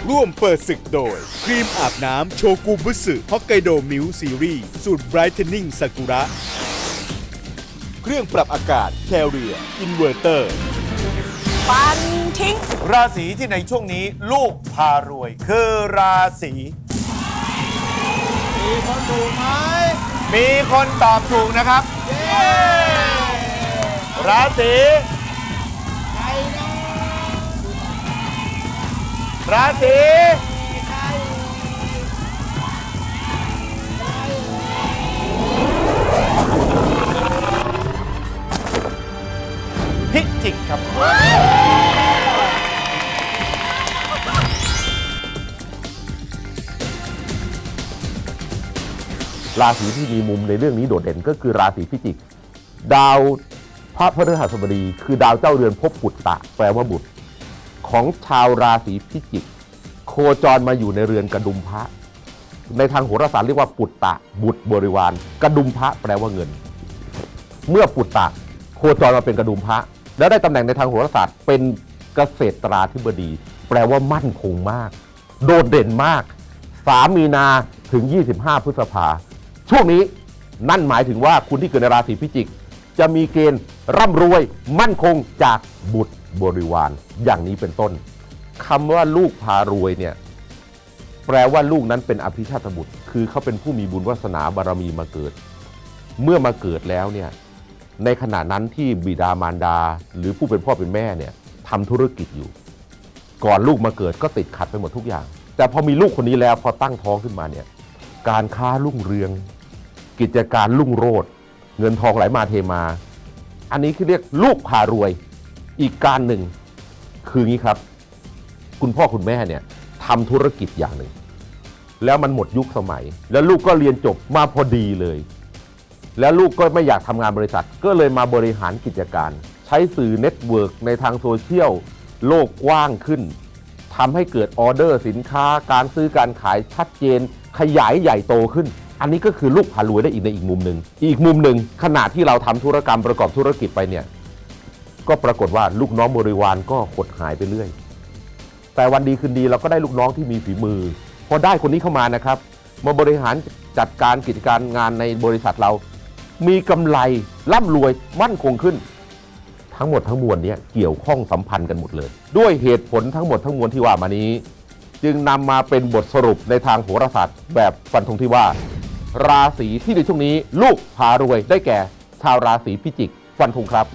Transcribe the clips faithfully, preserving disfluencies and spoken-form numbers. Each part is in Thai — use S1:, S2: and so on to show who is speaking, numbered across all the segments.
S1: ร่วมเปิดศึกโดยครีมอาบน้ำโชกุบุสึฮอกไกโดมิลซีรีส์สูตรไบรท์เทนนิ่งซากุระเครื่องปรับอากาศแคเรียอินเวอร์เตอร์
S2: ฟันทิ้ง
S3: ราศีที่ในช่วงนี้ลูกพารวยคือราศีมีคนถูกไหมมีคนตอบถูกนะครับราศีราศีพิจิกครับ
S4: ราศีที่มีมุมในเรื่องนี้โดดเด่นก็คือราศีพิจิกดาวพระพฤหัสบดีคือดาวเจ้าเรือนภพปุตตะแปลว่าบุตรของชาวราศีพิจิกโคจรมาอยู่ในเรือนกระดุมพระในทางโหราศาสตร์เรียกว่าปุตตะบุตรบริวารกระดุมพระแปลว่าเงินเมื่อปุตตะโคจรมาเป็นกระดุมพระแล้วได้ตำแหน่งในทางโหราศาสตร์เป็นเกษตราธิบดีแปลว่ามั่นคงมากโดดเด่นมากสามมีนาถึงยี่สิบห้าพฤษภาช่วงนี้นั่นหมายถึงว่าคุณที่เกิดในราศีพิจิกจะมีเกณฑ์ร่ำรวยมั่นคงจากบุตรบริวารอย่างนี้เป็นต้นคำว่าลูกพารวยเนี่ยแปลว่าลูกนั้นเป็นอภิชาตบุตรคือเขาเป็นผู้มีบุญวาสนาบารมีมาเกิดเมื่อมาเกิดแล้วเนี่ยในขณะนั้นที่บิดามารดาหรือผู้เป็นพ่อเป็นแม่เนี่ยทำธุรกิจอยู่ก่อนลูกมาเกิดก็ติดขัดไปหมดทุกอย่างแต่พอมีลูกคนนี้แล้วพอตั้งท้องขึ้นมาเนี่ยการค้ารุ่งเรืองกิจการรุ่งโรจน์เงินทองไหลมาเทมาอันนี้คือเรียกลูกพารวยอีกการหนึ่งคืองี้ครับคุณพ่อคุณแม่เนี่ยทำธุรกิจอย่างหนึ่งแล้วมันหมดยุคสมัยแล้วลูกก็เรียนจบมาพอดีเลยแล้วลูกก็ไม่อยากทำงานบริษัทก็เลยมาบริหารกิจการใช้สื่อเน็ตเวิร์กในทางโซเชียลโลกกว้างขึ้นทำให้เกิดออเดอร์สินค้าการซื้อการขายชัดเจนขยายใหญ่โตขึ้นอันนี้ก็คือลูกพารวยได้อีกในอีกมุมหนึ่งอีกมุมหนึ่งขณะที่เราทำธุรกรรมประกอบธุรกิจไปเนี่ยก็ปรากฏว่าลูกน้องบริวารก็หดหายไปเรื่อยแต่วันดีคืนดีเราก็ได้ลูกน้องที่มีฝีมือพอได้คนนี้เข้ามานะครับมาบริหารจัดการกิจการงานในบริษัทเรามีกำไรร่ำรวยมั่นคงขึ้นทั้งหมดทั้งมวลนี้เกี่ยวข้องสัมพันธ์กันหมดเลยด้วยเหตุผลทั้งหมดทั้งมวลที่ว่ามานี้จึงนำมาเป็นบทสรุปในทางโหราศาสตร์แบบฟันธงที่ว่าราศีที่ในช่วงนี้ลูกพารวยได้แก่ชาวราศีพิจิกฟันธงครับ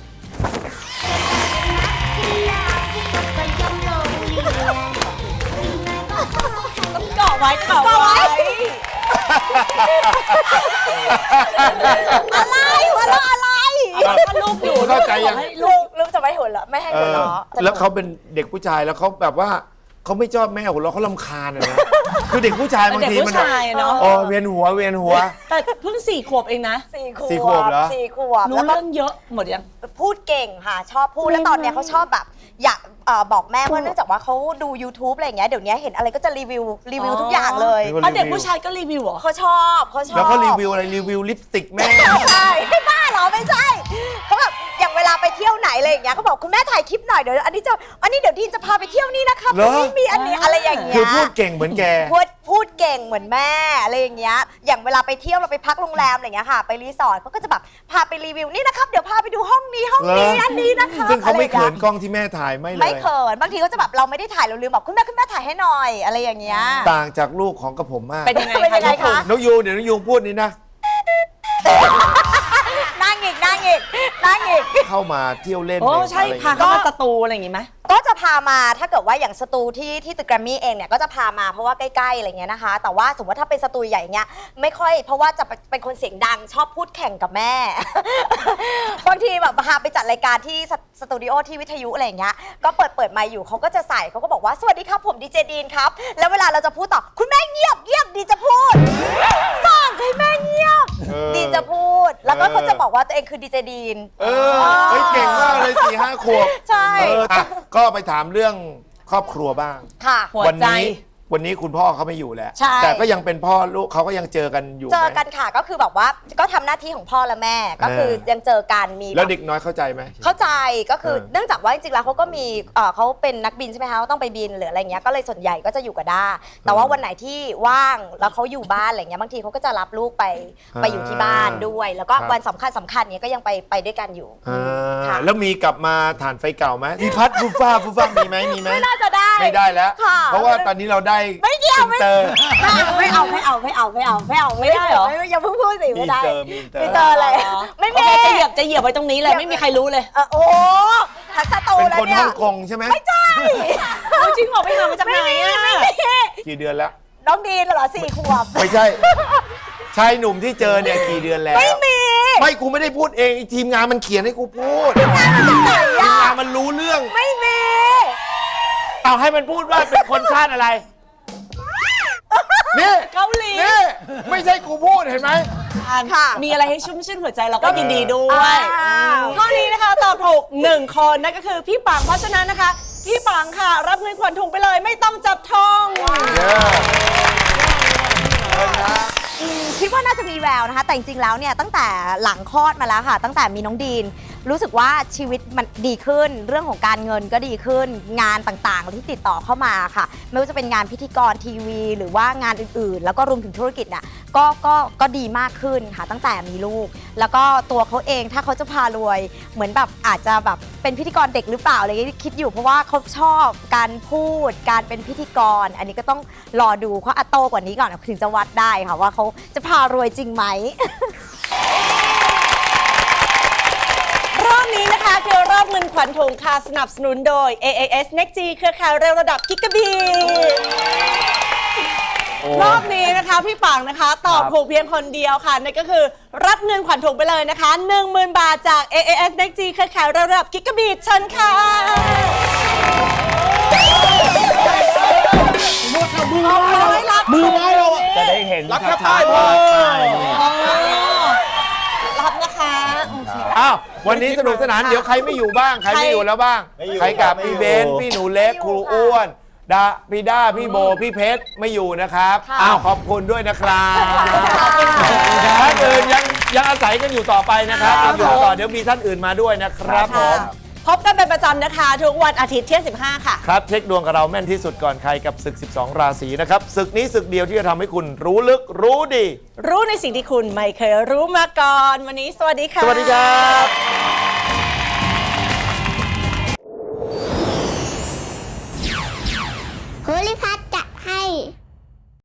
S2: ต้องเกาะไว้เกาะไว้อะไรวะแล้วอะไรลูกอยู่
S3: เข้าใจยัง
S2: ลูกลูกจะไม่หัวเราะไม่ให้หัวเราะ
S3: แล้วเขาเป็นเด็กผู้ชายแล้วเขาแบบว่าเขาไม่ชอบแม่หัวเราะเขารำคาญนะคือเด็กผู้ชายบางทีมันอ๋อเวียนหัวเวียนหัว
S2: แต่เพิ่งสี่ขวบเองนะ
S3: สี่ขวบเหรอ
S2: สี่ขวบรู้เรื่องเยอะหมดยังพูดเก่งค่ะชอบพูดแล้วตอนเนี้ยเขาชอบแบบอยากบอกแม่ว่าเนื่องจากว่าเขาดู YouTube อะไรอย่างเงี้ยเดี๋ยวนี้เห็นอะไรก็จะรีวิวรีวิวทุกอย่างเลยอ๋อเด็กผู้ชายก็รีวิวเหรอเขาชอบเขาชอบ
S3: แล้วเขารีวิวอะไรรีวิวลิปสติกแม่
S2: ใช่ไม่บ้าเหรอไม่ใช่เขาแบบอย่างเวลาไปเที่ยวไหนอะไรอย่างเงี้ยเขาบอกคุณแม่ถ่ายคลิปหน่อยเดี๋ยวอันนี้จะอันนี้เดี๋ยวดีนจะพาไปเที่ยวนี่นะคะไม่มีอันนี้อะไรอย่างเงี้ย
S3: คือพูดเก่งเหมือนแก
S2: พูดพูดเก่งเหมือนแม่อะไรอย่างเงี้ยอย่างเวลาไปเที่ยวเราไปพักโรงแรมอะไรอย่างเงี้ยค่ะไปรีสอร์ทเขาก็จะแบบพาไปรีวิวนี่นะครับเดี๋ยวพาไปดูห้องนี้ห้องนี้อันนี้นะคะ
S3: ซึ่งเขาไม่เขินกล้องที่แม่ถ่ายไม่เลย
S2: ไม่เขินบางทีเขาจะแบบเราไม่ได้ถ่ายเราลืมบอกคุณแม่คุณแม่ถ่ายให้หน่อยอะไรอย่างเงี้ย
S3: ต่างจากลูกของกระผมมาก
S2: เป็นยังไงคะ
S3: น้องยูเดี๋ยวน้องยูพูดนี่นะ
S2: นั่งอีกนั่งอีกนั่งอีก
S3: เข้ามาเที่ยวเล่น
S2: โอ้ใช่พาเข้ามาสตูอะไรอย่างงี้ไหมก็จะพามาถ้าเกิดว่าอย่างสตูที่ที่ตึกแกรมมี่เองเนี่ยก็จะพามาเพราะว่าใกล้ๆอะไรเงี้ยนะคะแต่ว่าสมมติถ้าเป็นสตูใหญ่เงี้ยไม่ค่อยเพราะว่าจะเป็นคนเสียงดังชอบพูดแข่งกับแม่บางทีแบบพาไปจัดรายการที่สตูดิโอที่วิทยุอะไรเงี้ยก็เปิดเปิดไมค์อยู่เขาก็จะใส่เขาก็บอกว่าสวัสดีครับผมดีเจดีนครับแล้วเวลาเราจะพูดต่อคุณแม่เงียบเงียบดีจะพูดสั่งให้แม่เงียบดีจะพูดแล้วก็เขาจะบอกว่าตัวเองคือดีเจดีน
S3: เออเก่งมากเลยสี่ห้าขวบ
S2: ใช่
S3: ก็ไปถามเรื่องครอบครัวบ้าง
S2: ค่ะ
S3: วันนี้วันนี้คุณพ่อเขาไม่อยู่แล้ว
S2: ใช่
S3: แต่ก็ยังเป็นพ่อลูกเขาก็ยังเจอกันอยู่ไหม
S2: เจอกันค่ะก็คือแบบว่าก็ทำหน้าที่ของพ่อและแม่ก็คือ
S3: เออ
S2: ยังเจอกันมี
S3: แล้ว
S2: แบบ
S3: เด็กน้อยเข้าใจไหม
S2: เข้าใจก็คือ
S3: เออ
S2: เนื่องจากว่าจริงๆแล้วเขาก็มีเอ่อเขาเป็นนักบินใช่ไหมคะเขาต้องไปบินหรืออะไรเงี้ยก็เลยส่วนใหญ่ก็จะอยู่กับด้าแต่ว่าวันไหนที่ว่างแล้วเขาอยู่บ้านอะไรเงี้ยบางทีเขาก็จะรับลูกไปไปอยู่ที่บ้านด้วย แล้วก็วันสำคัญสำคัญเนี้ยก็ยังไปไปด้วยกันอยู่
S3: อ่า
S2: ค่ะ
S3: แล้วมีกลับมาฐานไฟเก่าไหมมีพัดฟูฟ้าฟูฟ้ามีไหมมีไหม
S2: ไม่น่าจะได้
S3: ไม่ได้แล้ว
S2: ค่ะ
S3: เพราะว่าตอนนี้เราได้
S2: ไม่เกี่ยว
S3: อินเตอร์
S2: ไม่เอาไม่เอาไม่เอาไม่เอาไม่เอาไม่ได้เหรอไม่อย่าเพิ่งพูดสิไม่ได้
S3: มีเติมมีเติม
S2: มีเตอร์อะไรไม่
S5: โอ
S2: มี
S5: เคจะเหยียบจะเหยียบไว้ตรงนี้เลยไม่มีใครรู้เลย
S2: เออโอ้ทักษะโต
S3: เป็น
S2: แล้ว
S3: คน
S2: เนี่
S3: ฮ่
S2: ย
S3: องกงใช่ไหม
S2: ไม่ใช่
S5: จริงเหรอไปหามาจากไหนอ่ะ
S3: กี่เดือนแล้ว
S2: น้องดีนเหรอสี่ขวบ
S3: ไม่ใช่ ชายหนุ่มที่เจอเนี่ยกี่เดือนแล้ว
S2: ไม่มี
S3: ไม่กูไม่ได้พูดเองไอ้ทีมงานมันเขียนให้กูพูดทีม
S2: ไหนอะ
S3: งานมันรู้เรื่อง
S2: ไม่มี
S3: เอาให้มันพูดว่าเป็นคนชาติอะไรนี่
S5: เกาหลี
S3: นี่ไม่ใช่กูพูดเห็นไหม
S2: ค่ะ
S5: มีอะไรให้ชุ่มชื่นหัวใจเราก็ยินดีด้วย
S2: อ้าว
S5: ข้อนี้นะคะตอบถูกหนึ่งคนนั่นก็คือพี่ปังเพราะฉะนั้นนะคะ พี่ปังค่ะ รับเงินขวัญถุงไปเลยไม่ต้องจับทอง
S2: อืมคิดว่าน่าจะมีแววนะคะ แต่จริงๆแล้วเนี่ยตั้งแต่หลังคลอดมาแล้วค่ะ ตั้งแต่มีน้องดีน รู้สึกว่าชีวิตมันดีขึ้น เรื่องของการเงินก็ดีขึ้น งานต่างๆที่ติดต่อเข้ามาค่ะ ไม่ว่าจะเป็นงานพิธีกรทีวี หรือว่างานอื่นๆ แล้วก็รวมถึงธุรกิจน่ะก็ก็ก็ดีมากขึ้นค่ะตั้งแต่มีลูก แล้วก็ตัวเขาเองถ้าเขาจะพารวย เหมือนแบบอาจจะแบบเป็นพิธีกรเด็กหรือเปล่าอะไรอย่างเงี้ยคิดอยู่เพราะว่าเขาชอบการพูด การเป็นพิธีกร อันนี้ก็ต้องรอดูเขาอัตโตกว่านี้ก่อนถึงจะวัดได้ค่ะว่าเขาจะพารวยจริงไหม
S5: รอบนี้นะคะคือรอบเงินขวัญถุงค่ะสนับสนุนโดย เอ เอ เอส Next G เครือข่ายเร็วระดับกิกะบีรอบนี้นะคะพี่ปังนะคะ ตอบถูกเพียงคนเดียวค่ะนั่นก็คือรับเงินขวัญถุงไปเลยนะคะ หนึ่งหมื่น บาทจาก เอ เอ เอส Next G เครือข่ายเร็วระดับกิกะบีเชิญค่ะมือไม้เรา
S3: จะได้เห็น
S1: รับแค่ป้ายพอ
S5: รับนะคะโอเค
S3: อ้าววันนี้สนุกสนานเดี๋ยวใครไม่อยู่บ้างใครไม่อยู่แล้วบ้าง
S1: ไม่อยู่
S3: ใครกลับ
S1: ไม่
S3: พี่
S1: อยู่
S3: เบนซ์พี่หนูเล็กครูอ้วนดาพี่ด้าพี่โบพี่เพชรไม่อยู่นะครับ
S2: ค่ะ
S3: อ้าวขอบคุณด้วยนะครับท่านอื่นยังยังอาศัยกันอยู่ต่อไปนะครับยังอยู่ต่อเดี๋ยวมีท่านอื่นมาด้วยนะครับผม
S5: พบกันเป็นประจำนะคะทุกวันอาทิตย์เที่ยงสิบห้าค่ะ
S3: ครับเช็คดวงกับเราแม่นที่สุดก่อนใครกับศึก สิบสอง ราศีนะครับศึกนี้ศึกเดียวที่จะทำให้คุณรู้ลึกรู้ดี
S5: รู้ในสิ่งที่คุณไม่เคยรู้มาก่อน วันนี้สวัสดีค่ะ
S3: สวัสดีครับ